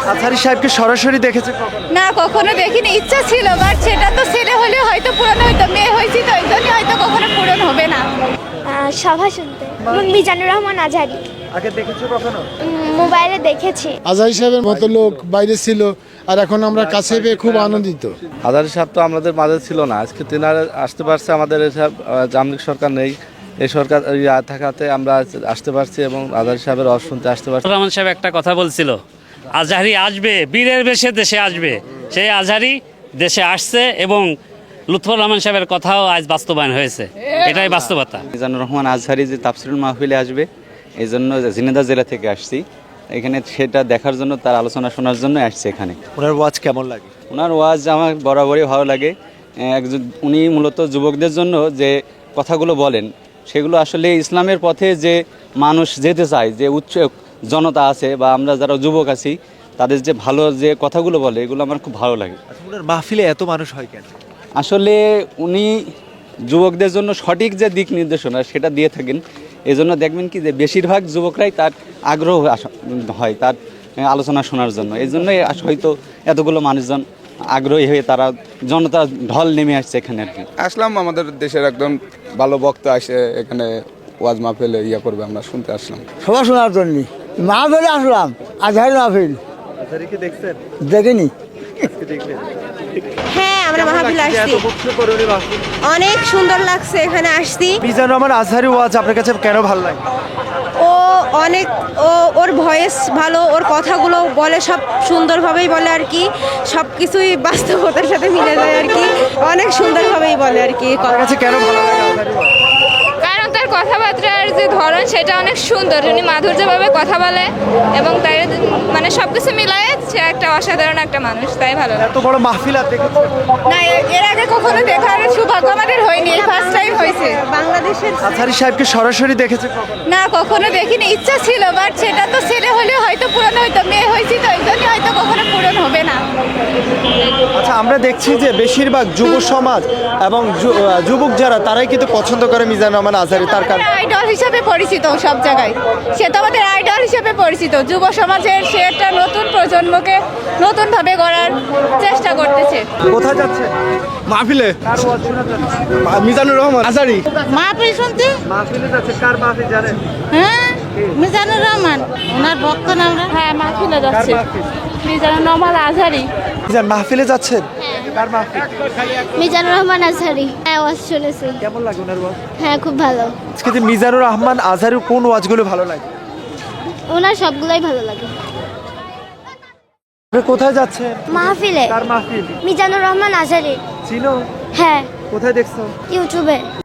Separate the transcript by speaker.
Speaker 1: আজহারী সাহেবকে সরাসরি দেখেছে কখনো?
Speaker 2: না, কখনো দেখিনি। ইচ্ছা ছিল, বাট সেটা তো ছেলে হলে হয়তো পূরণ হইতো, মেয়ে হয়েছি তো এই জন্যই হয়তো কখনো পূরণ হবে না।
Speaker 3: সভা শুনতে মিজানুর রহমান আজহারি
Speaker 1: আগে দেখেছো কখনো?
Speaker 3: মোবাইলে দেখেছি।
Speaker 4: আজহারী সাহেবের মতো লোক বাইরে ছিল, আর এখন আমরা কাছে পেয়ে খুব আনন্দিত।
Speaker 5: আজহারী সাহেব তো আমাদের মাঝে ছিল না, আজকে তিনারা আসতে পারছে। আমাদের এসব জামলিক সরকার নেই, এই সরকার থাকাতে আমরা আসতে পারছি এবং আজহারী সাহেবের ওয়াজ শুনতে আসতে পারছি।
Speaker 6: রহমান সাহেব একটা কথা বলছিল, আজহারী আসবে, বীরের বেশে দেশে আসবে। সেই আজহারী দেশে আসছে এবং লুৎফর রহমান সাহেবের কথাও আজ বাস্তবায়ন হয়েছে, এটাই বাস্তবতা।
Speaker 7: মিজানুর রহমান আজহারী যে তাফসিরুল মাহফিলে আসবে, এই জন্য ঝিনাইদহ জেলা থেকে আসছি এখানে, সেটা দেখার জন্য, তার আলোচনা শোনার জন্য আসছে এখানে।
Speaker 1: ওনার ওয়াজ কেমন লাগে?
Speaker 7: ওনার ওয়াজ আমার বরাবরই ভালো লাগে। একজন উনি মূলত যুবকদের জন্য যে কথাগুলো বলেন, সেগুলো আসলে ইসলামের পথে যে মানুষ যেতে চায়, যে উচ্চ জনতা আছে বা আমরা যারা যুবক আছি, তাদের যে ভালো যে কথাগুলো বলে, এগুলো আমার খুব ভালো লাগে।
Speaker 1: আচ্ছা, ওনার মাহফিলে এত মানুষ হয় কেন?
Speaker 7: আসলে উনি যুবকদের জন্য সঠিক যে দিক নির্দেশনা সেটা দিয়ে থাকেন। এই জন্য দেখবেন কি যে বেশিরভাগ যুবকরাই তার আগ্রহ হয় তার আলোচনা শোনার জন্য। এই জন্যই হয়তো এতগুলো মানুষজন আগ্রহী হয়ে তারা জনতা ঢল নেমে আসছে এখানে আর কি।
Speaker 8: আসলাম, আমাদের দেশের একদম ভালো বক্তা আসে এখানে ওয়াজ মাহফিলে করবে, আমরা শুনতে আসলাম।
Speaker 9: সভা শোনার জন্য মাহফিলে আসলাম। আজহারী মাহফিল
Speaker 1: আজহারীকে দেখছেন?
Speaker 9: দেখিনি।
Speaker 1: আজকে দেখলেন?
Speaker 2: হ্যাঁ, আমরা মাহফিলে আসছি,
Speaker 1: এত বছর পরে উনি মাহফিল।
Speaker 2: অনেক সুন্দর লাগছে এখানে আসছি।
Speaker 1: মিজানুর রহমান আজহারী ওয়াজ আপনার কাছে কেন ভালো লাগে?
Speaker 2: ও অনেক, ওর ভয়েস ভালো, ওর কথাগুলো বলে সব সুন্দরভাবেই বলে আর কি, সব কিছুই বাস্তবতার সাথে মিলে যায় আর কি, অনেক সুন্দরভাবেই বলে আর কি।
Speaker 1: আপনার কাছে কেন ভালো লাগে আজহারী ওয়াজ?
Speaker 2: কারণ তার কথাবার্তার যে ধরন সেটা অনেক সুন্দর, উনি মাধুর্যভাবে কথা বলে এবং তাই মানে সব কিছু মিলায় সে একটা অসাধারণ একটা মানুষ, তাই ভালো লাগে।
Speaker 1: এত বড় মাহফিল আর দেখেছেন?
Speaker 2: না, এর আগে কখনো দেখার সৌভাগ্য আমাদের হয়নি, এই ফার্স্ট টাইম হয়েছে বাংলাদেশের।
Speaker 1: আজহারী সাহেবকে সরাসরি দেখেছে কখনো?
Speaker 2: না, কখনো দেখিনি। ইচ্ছা ছিল, বাট সেটা তো ছেলে হলে হয়তো পূরণ হইতো, মেয়ে হয়েছি তো এই জন্যই হয়তো কখনো পূরণ হবে না।
Speaker 1: আচ্ছা, আমরা দেখছি যে বেশিরভাগ যুব সমাজ এবং যুবক যারা, তারাই কিন্তু পছন্দ করে মিজানুর রহমান আজহারী। তার কারণ
Speaker 2: আইডল হিসাবে পরিচিত সব জায়গায়, সে তো আমাদের আইডল হিসেবে পরিচিত। যুব সমাজের সে একটা নতুন প্রজন্মকে নতুনভাবে গড়ার চেষ্টা করতেছে।
Speaker 1: কোথায় যাচ্ছে?
Speaker 4: মাহফিলে
Speaker 1: কার ওয়াজ শোনা যাচ্ছে?
Speaker 4: মিজানুর রহমান আজহারী।
Speaker 2: মাহফিল শুনতে?
Speaker 1: মাহফিলে যাচ্ছে। কার মাহফিল জানেন?
Speaker 2: হ্যাঁ, মিজানুর রহমান, ওনার ভক্ত নাম। হ্যাঁ, মাহফিলে
Speaker 1: কার
Speaker 2: যাচ্ছে
Speaker 1: মাহফিল?
Speaker 2: মিজানুর রহমান আজহারী।
Speaker 1: মিজান মাহফিলে যাচ্ছেন? কার মাহফিল?
Speaker 3: মিজানুর রহমান আজহারি। হ্যাঁ, ওয়াজ শুনেছি।
Speaker 1: কেমন লাগে ওনার ওয়াজ?
Speaker 3: হ্যাঁ, খুব ভালো।
Speaker 1: আজকে যে মিজানুর রহমান আজহারীর কোন ওয়াজগুলো ভালো লাগে?
Speaker 3: ওনার সবগুলাই ভালো লাগে।
Speaker 1: আপনি কোথায় যাচ্ছেন?
Speaker 3: মাহফিলে
Speaker 1: কার মাহফিল?
Speaker 3: মিজানুর রহমান আজহারি।
Speaker 1: চিনো?
Speaker 3: হ্যাঁ,
Speaker 1: কোথায় দেখছো?
Speaker 3: ইউটিউবে।